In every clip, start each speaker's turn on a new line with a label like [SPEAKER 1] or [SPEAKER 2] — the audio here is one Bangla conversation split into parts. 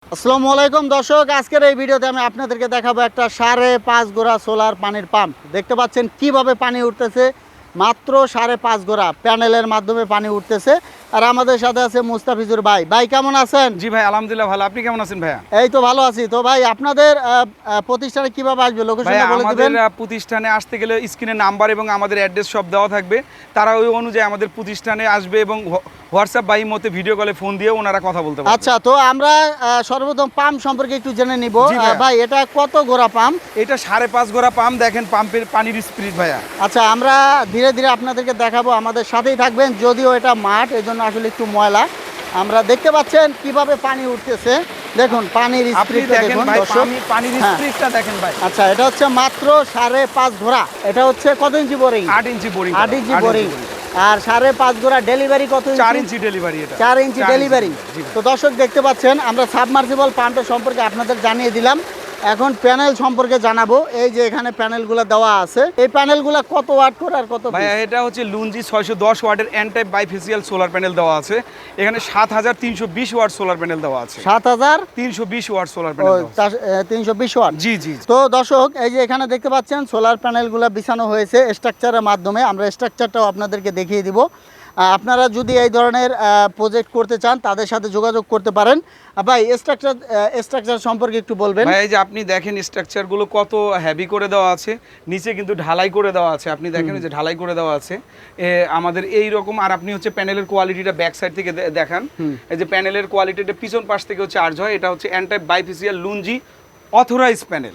[SPEAKER 1] আসসালামু আলাইকুম দর্শক, আজকের এই ভিডিওতে আমি আপনাদেরকে দেখাবো একটা 5.5 গোড়া সোলার পানির পাম্প। দেখতে পাচ্ছেন কিভাবে পানি উঠতেছে, মাত্র 5.5 গোড়া প্যানেলের মাধ্যমে পানি উঠতেছে। আর আমাদের সাথে আছে মুস্তাফিজুর ভাই। ভাই কেমন আছেন?
[SPEAKER 2] জি ভাই, আলহামদুলিল্লাহ ভালো। আপনি কেমন আছেন ভাইয়া?
[SPEAKER 1] এই তো ভালো আছি। তো ভাই আপনাদের প্রতিষ্ঠানে কিভাবে আসবে, লোকেশনটা বলে
[SPEAKER 2] আমাদের
[SPEAKER 1] দিবেন।
[SPEAKER 2] প্রতিষ্ঠানে আসতে গেলে স্ক্রিনে নাম্বার এবং আমাদের অ্যাড্রেস সব দেওয়া থাকবে। তারা ওই অনুযায়ী আমাদের প্রতিষ্ঠানে আসবে এবং হোয়াটসঅ্যাপ বা ইমোতে ভিডিও কলে ফোন দিয়ে ওনারা কথা বলতে পারবে।
[SPEAKER 1] আচ্ছা, তো আমরা সর্বপ্রথম পাম্প সম্পর্কে একটু জেনে নিব।
[SPEAKER 2] জি ভাইয়া।
[SPEAKER 1] ভাই এটা কত গোড়া পাম্প?
[SPEAKER 2] এটা 5.5 গোড়া পাম্প। দেখেন পাম্পের পানির স্পিড ভাইয়া।
[SPEAKER 1] আচ্ছা, আমরা ধীরে ধীরে আপনাদেরকে দেখাবো, আমাদের সাথেই থাকবেন। যদিও এটা মাঠ, এজন্য আসলে একটু ময়লা। আমরা দেখতে পাচ্ছেন কিভাবে পানি উঠতেছে, দেখুন পানির
[SPEAKER 2] আপনি
[SPEAKER 1] স্পিডটা
[SPEAKER 2] দেখেন
[SPEAKER 1] দেখুন
[SPEAKER 2] ভাই,
[SPEAKER 1] দর্শক।
[SPEAKER 2] পানির
[SPEAKER 1] হ্যাঁ।
[SPEAKER 2] স্পিডটা দেখেন ভাই।
[SPEAKER 1] আচ্ছা, এটা হচ্ছে মাত্র 5.5 ঘোড়া। এটা হচ্ছে কত inch boring?
[SPEAKER 2] 8 inch boring.
[SPEAKER 1] 8 inch boring. আর 5.5 ঘোড়া ডেলিভারি কত?
[SPEAKER 2] 4 ইঞ্চি ডেলিভারি। এটা
[SPEAKER 1] 4 ইঞ্চি ডেলিভারি। তো দর্শক দেখতে পাচ্ছেন, আমরা সাবমার্সিবল পাম্পের সম্পর্কে আপনাদের জানিয়ে দিলাম। এখন প্যানেল সম্পর্কে জানাবো। এই যে এখানে প্যানেলগুলো দেওয়া আছে, এই প্যানেলগুলো কত ওয়াট করে আর কত?
[SPEAKER 2] ভাইয়া এটা হচ্ছে লুঞ্জি 610 ওয়াটের N type bifacial solar panel দেওয়া আছে। এখানে 7320 ওয়াট সোলার প্যানেল দেওয়া আছে।
[SPEAKER 1] 7320
[SPEAKER 2] ওয়াট সোলার প্যানেল দেওয়া আছে।
[SPEAKER 1] 320 ওয়াট।
[SPEAKER 2] জি জি।
[SPEAKER 1] তো দর্শক, এই যে এখানে দেখতে পাচ্ছেন সোলার প্যানেলগুলো বিছানো হয়েছে স্ট্রাকচারের মাধ্যমে। আমরা স্ট্রাকচারটাও আপনাদেরকে দেখিয়ে দিব। আপনারা যদি এই ধরনের প্রজেক্ট করতে চান, তাদের সাথে যোগাযোগ করতে পারেন। ভাই স্ট্রাকচার সম্পর্কে একটু বলবেন।
[SPEAKER 2] ভাই এই যে আপনি দেখেন স্ট্রাকচারগুলো কত হেভি করে দেওয়া আছে, নিচে কিন্তু ঢালাই করে দেওয়া আছে। আপনি দেখেন যে ঢালাই করে দেওয়া আছে আমাদের এই রকম। আর আপনি হচ্ছে প্যানেলের কোয়ালিটিটা ব্যাক সাইড থেকে দেখান। এই যে প্যানেলের কোয়ালিটিটা পিছন পাশ থেকেও চার্জ হয়। এটা হচ্ছে N type bifacial Longi authorize panel.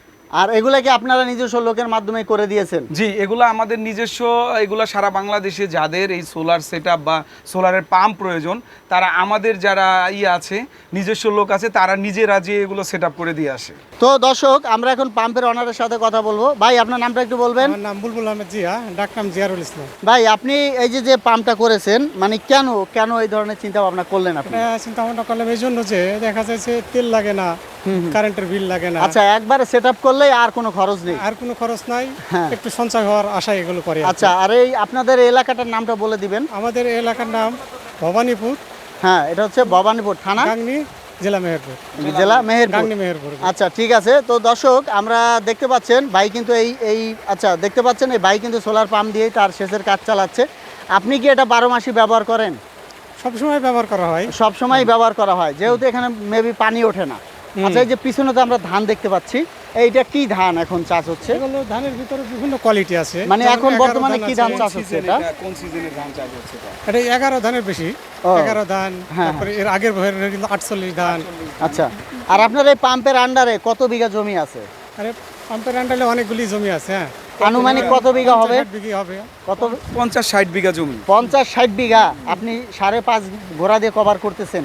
[SPEAKER 1] আর এগুলা কি আপনারা নিজস্ব লোকের মাধ্যমে করে দিয়েছেন?
[SPEAKER 2] জি, এগুলো আমাদের নিজস্ব। এগুলো সারা বাংলাদেশে যাদের এই সোলার সেটআপ বা সোলারের পাম্প প্রয়োজন, তারা আমাদের যারা আছে নিজস্ব লোক আছে, তারা নিজেরা যে এগুলো সেটআপ করে দিয়ে আসে।
[SPEAKER 1] তো দর্শক, আমরা এখন পাম্পের অনারের সাথে কথা বলবো। ভাই আপনার নামটা একটু বলবেন।
[SPEAKER 3] আমার নাম বুলবুল আহমেদ জিয়া, ডাকনাম জিয়ারুল ইসলাম।
[SPEAKER 1] ভাই আপনি এই যে পাম্পটা করেছেন, মানে কেন এই ধরনের চিন্তা ভাবনা করলেন আপনি?
[SPEAKER 3] চিন্তা ভাবনা করলাম এই জন্য যে দেখা যাচ্ছে তেল লাগে না, কারেন্টের বিল লাগে না।
[SPEAKER 1] আচ্ছা, একবারে সেটআপ করলেই আর কোনো খরচ নেই?
[SPEAKER 3] আর কোনো খরচ নাই,
[SPEAKER 1] হ্যাঁ।
[SPEAKER 3] একটু সঞ্চয় হওয়ার আশায় এগুলো করে।
[SPEAKER 1] আচ্ছা, আর এই আপনাদের এলাকাটার নামটা বলে দিবেন।
[SPEAKER 3] আমাদের এলাকার নাম ভবানীপুর।
[SPEAKER 1] হ্যাঁ, এটা হচ্ছে ভবানীপুর থানা,
[SPEAKER 3] গাংনী, জেলা মেহেরপুর।
[SPEAKER 1] জেলা মেহেরপুর।
[SPEAKER 3] গাংনী মেহেরপুর।
[SPEAKER 1] আচ্ছা, ঠিক আছে। তো দর্শক, আমরা দেখতে পাচ্ছেন ভাই কিন্তু আচ্ছা দেখতে পাচ্ছেন এই ভাই কিন্তু সোলার পাম্প দিয়েই তার সেচের কাজ চালাচ্ছে। আপনি কি এটা 12 মাসই ব্যবহার করেন?
[SPEAKER 3] সবসময় ব্যবহার করা হয়।
[SPEAKER 1] সবসময় ব্যবহার করা হয়, যেহেতু এখানে মেবি পানি ওঠে না। আচ্ছা, এই যে পিছনে তো আমরা ধান দেখতে পাচ্ছি, এইটা কি ধান এখন চাষ হচ্ছে?
[SPEAKER 3] এগুলো ধানের ভিতরে বিভিন্ন কোয়ালিটি আছে।
[SPEAKER 1] মানে
[SPEAKER 3] যেমন
[SPEAKER 1] এখন
[SPEAKER 3] 11
[SPEAKER 1] বর্তমানে
[SPEAKER 3] ধান
[SPEAKER 1] কি
[SPEAKER 3] আছে।
[SPEAKER 1] ধান চাষ হচ্ছে এটা?
[SPEAKER 2] কোন সিজনের ধান চাষ হচ্ছে
[SPEAKER 3] এটা 11 ধানের বেশি।
[SPEAKER 1] ও।
[SPEAKER 3] 11 ধান,
[SPEAKER 1] হ্যাঁ।
[SPEAKER 3] তারপরে এর আগের বছরের কিন্তু 48 ধান।
[SPEAKER 1] আচ্ছা, আর আপনার এই পাম্পের আন্ডারে কত বিঘা জমি আছে?
[SPEAKER 3] আরে পাম্পের আন্ডারে অনেকগুলি জমি আছে। হ্যাঁ,
[SPEAKER 1] আনুমানিক কত বিঘা হবে?
[SPEAKER 3] 50 বিঘি হবে।
[SPEAKER 1] কত?
[SPEAKER 2] 50-60 বিঘা জমি।
[SPEAKER 1] 50-60 বিঘা আপনি 5.5 ঘোড়া দিয়ে কভার করতেছেন?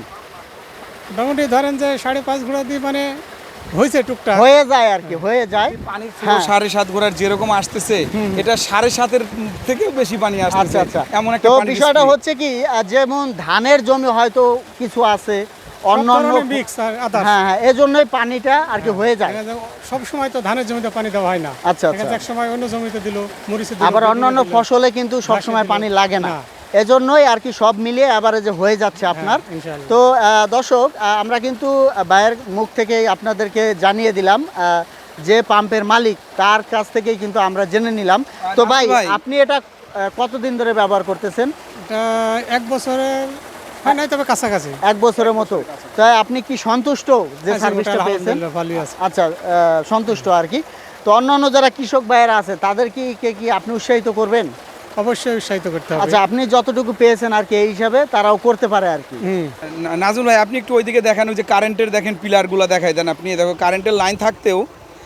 [SPEAKER 3] মোটামুটি ধরেন যে 5.5 ঘোড়া দিয়ে মানে হয়েছে টুকটাক।
[SPEAKER 1] হয়ে যায় আর কি, হয়ে যায়।
[SPEAKER 2] পানির
[SPEAKER 1] হ্যাঁ।
[SPEAKER 2] 7.5 ঘোড়ার যেরকম আসতেছে, এটা 7.5-এর থেকেও বেশি পানি
[SPEAKER 1] আচ্ছা
[SPEAKER 2] আসতেছে।
[SPEAKER 1] আচ্ছা,
[SPEAKER 2] এমন একটা
[SPEAKER 1] তো
[SPEAKER 2] পানির
[SPEAKER 1] বিষয়টা
[SPEAKER 2] speed।
[SPEAKER 1] হচ্ছে কি, যেমন ধানের জমি হয়তো কিছু আছে, অন্যান্য
[SPEAKER 3] মিক্স আর আদার্স।
[SPEAKER 1] হ্যাঁ হ্যাঁ, এজন্যই পানিটা আর কি হয়ে যায়।
[SPEAKER 3] সব সময় তো ধানের জমিতে পানি দেওয়া হয় না।
[SPEAKER 1] আচ্ছা আচ্ছা।
[SPEAKER 3] এক সময় অন্য জমিতে দিল, মরিচে দিল,
[SPEAKER 1] আবার অন্যান্য
[SPEAKER 3] বেগুনে দিল।
[SPEAKER 1] ফসলে কিন্তু সবসময় পানি লাগে না, এজন্যই আর কি সব মিলিয়ে এভারেজে হয়ে যাচ্ছে আপনার।
[SPEAKER 3] ইনশাআল্লাহ।
[SPEAKER 1] তো দর্শক, আমরা কিন্তু ভাইয়ের মুখ থেকেই আপনাদেরকে জানিয়ে দিলাম, যে পাম্পের মালিক তার কাছ থেকেই কিন্তু আমরা জেনে নিলাম। তো ভাই, আপনি এটা কতদিন ধরে ব্যবহার করতেছেন?
[SPEAKER 3] এটা 1 বছরের হয় নাই, তবে কাছাকাছি।
[SPEAKER 1] 1 বছরের মতো। তাই আপনি কি সন্তুষ্ট যে সার্ভিসটা পেয়েছেন?
[SPEAKER 3] আলহামদুলিল্লাহ, ভালোই আছে।
[SPEAKER 1] আচ্ছা, সন্তুষ্ট আর কি। তো অন্যান্য যারা কৃষক ভাইয়েরা আছে তাদের কি আপনি উৎসাহিত করবেন?
[SPEAKER 3] অবশ্যই উৎসাহিত করতে হবে।
[SPEAKER 1] আচ্ছা, আপনি যতটুকু পেয়েছেন আর কি, এই হিসাবে তারাও করতে পারে আর কি।
[SPEAKER 2] নাজুল ভাই, আপনি একটু ওইদিকে দেখান, ওই যে কারেন্টের দেখেন পিলারগুলো দেখাই দেন। আপনি দেখো কারেন্টের লাইন থাকতেও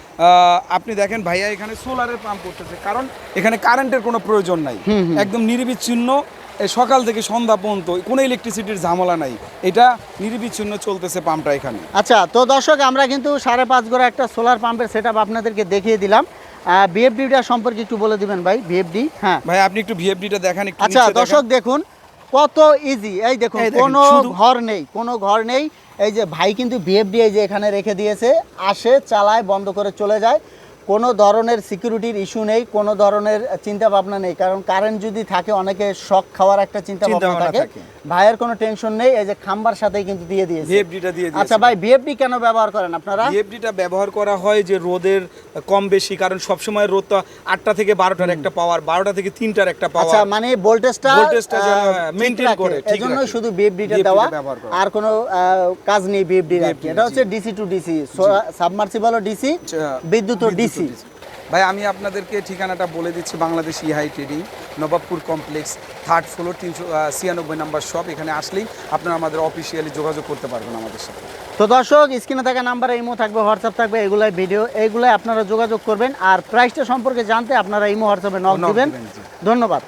[SPEAKER 2] আপনি দেখেন ভাইয়া এখানে সোলারের পাম্প করতেছে, কারণ এখানে কারেন্টের কোনো প্রয়োজন নাই। একদম নিরবিচ্ছিন্ন সকাল থেকে সন্ধ্যা পর্যন্ত কোনো ইলেকট্রিসিটির ঝামেলা নাই। এটা নিরবিচ্ছিন্ন চলতেছে পাম্পটা এখানে।
[SPEAKER 1] আচ্ছা, তো দর্শক, আমরা কিন্তু 5.5 ঘোড়া একটা সোলার পাম্পের সেটআপ আপনাদেরকে দেখিয়ে দিলাম। ভিএফডিটা সম্পর্কে একটু বলে দিবেন ভাই। ভিএফডি, হ্যাঁ
[SPEAKER 2] ভাই আপনি একটু ভিএফডিটা দেখান একটু।
[SPEAKER 1] আচ্ছা দর্শক, দেখুন কত ইজি। এই দেখুন, কোনো ঘর নেই, কোনো ঘর নেই। এই যে ভাই কিন্তু ভিএফডি এই যে এখানে রেখে দিয়েছে, আসে, চালায়, বন্ধ করে চলে যায়। কোনো ধরনের সিকিউরিটির ইস্যু নেই, কোনো ধরনের চিন্তা ভাবনা নেই, কারণ কারেন্ট যদি থাকে অনেকে শক খাওয়ার একটা চিন্তা ভাবনা
[SPEAKER 2] চিন্তাভাবনা
[SPEAKER 1] থাকে।
[SPEAKER 2] থাকে।
[SPEAKER 1] ভাইয়ের কোনো টেনশন নেই, এই যে খাম্বার সাথেই কিন্তু দিয়ে দিয়েছে।
[SPEAKER 2] ভিএফডিটা দিয়ে দিয়েছে।
[SPEAKER 1] আচ্ছা ভাই, ভিএফডি কেন ব্যবহার করেন আপনারা?
[SPEAKER 2] ভিএফডিটা ব্যবহার করা হয় যে রোদের কম বেশি, কারণ সবসময় রোদটা 8টা থেকে 12টার একটা পাওয়ার, 12টা থেকে 3টার একটা
[SPEAKER 1] আচ্ছা,
[SPEAKER 2] পাওয়ার।
[SPEAKER 1] মানে ভোল্টেজটা
[SPEAKER 2] ভোল্টেজটা যেন, maintain করে, ঠিক
[SPEAKER 1] এজন্য
[SPEAKER 2] রাখে।
[SPEAKER 1] শুধু ভিএফডিটা
[SPEAKER 2] VFD টা
[SPEAKER 1] দেওয়া,
[SPEAKER 2] ব্যবহার করা।
[SPEAKER 1] আর কোনো কাজ নেই ভিএফডির আর কি।
[SPEAKER 2] VFD,
[SPEAKER 1] এটা হচ্ছে
[SPEAKER 2] জি।
[SPEAKER 1] ডিসি টু ডিসি, সাবমার্সিবলও ডিসি, বিদ্যুৎও ডিসি।
[SPEAKER 2] ভাই আমি আপনাদেরকে ঠিকানাটা বলে দিচ্ছি, Bangladesh Ihai trading, Nawabpur complex, 3rd floor, 396 number shop. এখানে আসলেই আপনারা আমাদের অফিসিয়ালি যোগাযোগ করতে পারবেন আমাদের সাথে।
[SPEAKER 1] তো দর্শক, স্ক্রিনে থাকা নাম্বারে ইমো থাকবে, হোয়াটসঅ্যাপ থাকবে, এগুলাই ভিডিও, এইগুলাই আপনারা যোগাযোগ করবেন। আর প্রাইসটা সম্পর্কে জানতে আপনারা ইমো হোয়াটসঅ্যাপে নক
[SPEAKER 2] নক
[SPEAKER 1] দিবেন।
[SPEAKER 2] দিবেন, জি।
[SPEAKER 1] ধন্যবাদ।